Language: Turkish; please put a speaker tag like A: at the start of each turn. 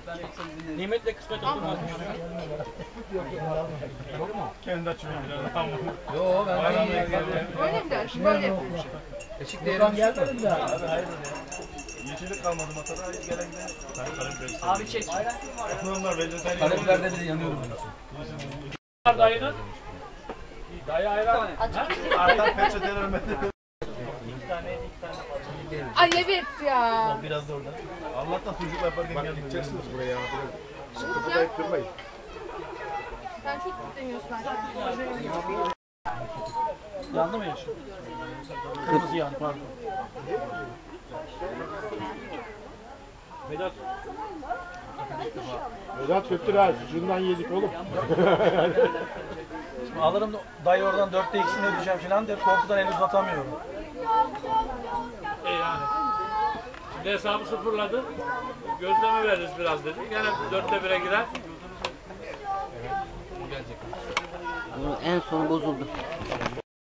A: Nimetle kısmet olmaz.
B: Kendi açıyorum biraz.
C: Yo ben
D: Öyle mi der? Böyle yapıyor.
C: Eşik değerim gelmedi de.
B: Yeşillik kalmadı masada. Gelen giden.
A: Abi çek.
B: Onlar vejetaryen.
C: Karabiber'de bile yanıyorum.
A: Dayının. Dayı ayran.
B: Artan peçeteler
D: Ay evet ya.
B: biraz da orada. Allah'tan sucuk yaparken geldi. Gideceksiniz buraya.
D: Sıkıntı
B: kırmayın.
D: Sen çok demiyorsun bence.
A: Yandı mı yaşıyor? Kırmızı yandı pardon. Vedat.
B: Vedat götür ha. Sucuğundan yedik oğlum.
A: Alırım dayı oradan 4'te ikisini ödeyeceğim falan diye korkudan el uzatamıyorum.
E: Yani. Şimdi hesabı sıfırladı. Gözleme veririz biraz dedi. Gene 4'te 1'e girer.
F: En sonu bozuldu.